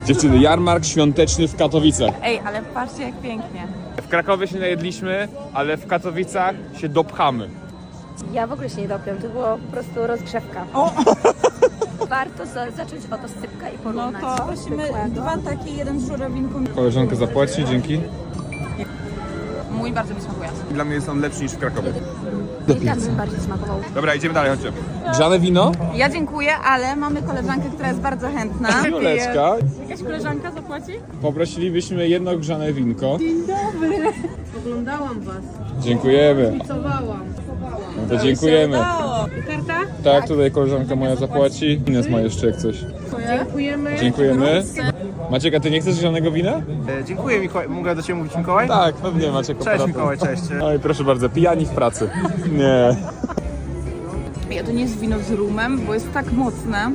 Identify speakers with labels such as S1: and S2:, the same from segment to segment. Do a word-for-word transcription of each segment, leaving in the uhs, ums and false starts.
S1: Dziewczyny, jarmark świąteczny w Katowicach.
S2: Ej, ale patrzcie jak pięknie.
S1: W Krakowie się najedliśmy, ale w Katowicach się dopchamy.
S3: Ja w ogóle się nie dopiął, to było po prostu rozgrzewka. Warto za zacząć od oscypka i
S2: No
S3: porównać.
S2: to prosimy dwa takie, jeden z żurawinku.
S1: Koleżanka zapłaci, dzięki.
S2: Mój bardzo mi smakuje.
S1: Dla mnie jest on lepszy niż w Krakowie.
S3: Delikatny bardziej smakował.
S1: Dobra, idziemy dalej, chodźcie. Grzane wino?
S2: Ja dziękuję, ale mamy koleżankę, która jest bardzo chętna.
S1: Juleczka.
S2: Jakaś koleżanka zapłaci?
S1: Poprosilibyśmy jedno grzane winko.
S4: Oglądałam was,
S1: Dziękujemy.
S4: pracowałam.
S1: No to dziękujemy.
S4: Karta?
S1: Tak, tutaj koleżanka moja zapłaci. Ines ma jeszcze jak coś.
S4: Dziękujemy.
S1: Dziękujemy. Maciek, a ty nie chcesz żadnego wina?
S5: E, dziękuję Mikołaj. Mogę do Ciebie mówić Mikołaj?
S1: Tak, pewnie Maciek.
S5: Cześć
S1: operator.
S5: Mikołaj, cześć.
S1: Oj, proszę bardzo, pijani w pracy. Nie.
S2: Ja to nie jest wino z rumem, bo jest tak mocne.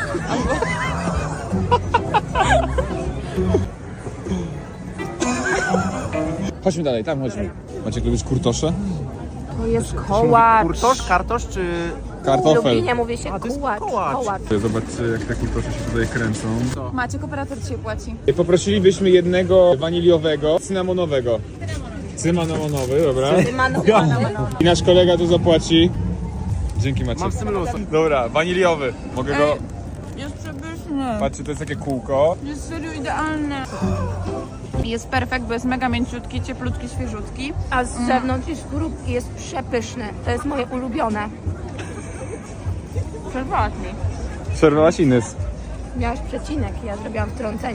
S1: Chodźmy dalej, tam chodźmy. Maciek, lubisz kurtosze?
S2: To jest kołacz.
S5: Kurtosz, kartosz czy...
S3: W
S1: Kartofel.
S3: Lublinie mówi się
S5: to jest
S3: kułacz.
S5: kołacz.
S3: kołacz.
S1: Zobaczcie, jak te kurtosze się tutaj kręcą.
S2: Maciek, operator dzisiaj płaci.
S1: Poprosilibyśmy jednego waniliowego, cynamonowego. Cynamonowy, dobra. I nasz kolega tu zapłaci. Dzięki Maciek.
S5: Mam z tym luz.
S1: Dobra, waniliowy. Mogę go...
S2: Jest przepyszny.
S1: Patrzcie, to jest takie kółko.
S2: Jest serio idealny. Jest perfekt, bo jest mega mięciutki, cieplutki, świeżutki.
S3: A z zewnątrz i z próbki jest przepyszny. To jest moje ulubione.
S2: Przerwałaś mi.
S1: Przerwałaś Ines.
S3: Miałaś przecinek, ja zrobiłam wtrącenie.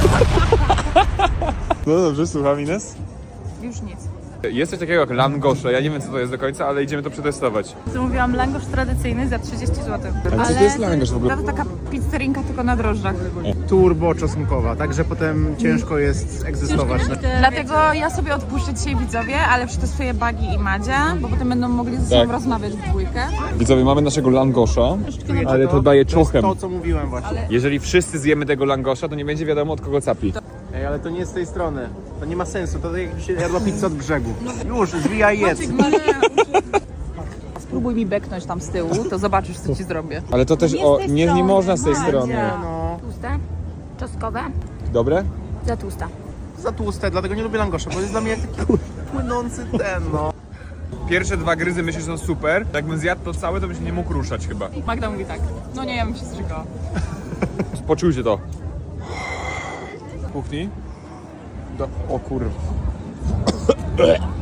S1: No dobrze, słucham Ines.
S2: Już nic.
S1: Jest coś takiego jak langosze, ja nie wiem co to jest do końca, ale idziemy to przetestować.
S2: Zamówiłam langosz tradycyjny za trzydzieści złotych.
S1: Ale co to jest langosz w ogóle?
S2: To taka pizzerinka tylko na drożdżach.
S5: Turbo czosnkowa, także potem ciężko jest egzystować.
S2: Dlatego ja sobie odpuszczę dzisiaj widzowie, ale przetestuję Bagi i Madzia, bo potem będą mogli ze sobą
S1: Tak.
S2: rozmawiać w dwójkę.
S1: Widzowie, mamy naszego langosza, ale to
S5: To-
S1: daje
S5: To jest
S1: czochem.
S5: to, co mówiłem właśnie.
S1: Jeżeli wszyscy zjemy tego langosza, to nie będzie wiadomo od kogo capi.
S5: Ej, ale to nie jest z tej strony. To nie ma sensu, to tak jakby się jadła pizza od brzegu. Już, zwijaj jedz.
S2: Spróbuj mi beknąć tam z tyłu, to zobaczysz co ci zrobię.
S1: Ale to też, o, nie, nie można z tej strony.
S5: No,
S3: Tłuste, czosnkowe,
S1: Dobre?
S3: za tłusta.
S5: za tłuste, dlatego nie lubię langosza, bo jest dla mnie jak taki płynący ten, no.
S1: Pierwsze dwa gryzy myślę, że są super. Jakbym zjadł to całe, to bym się nie mógł ruszać chyba.
S2: Magda mówi tak, no nie, ja bym się strzygała.
S1: Poczujcie to. W kuchni? Do... O kurwa.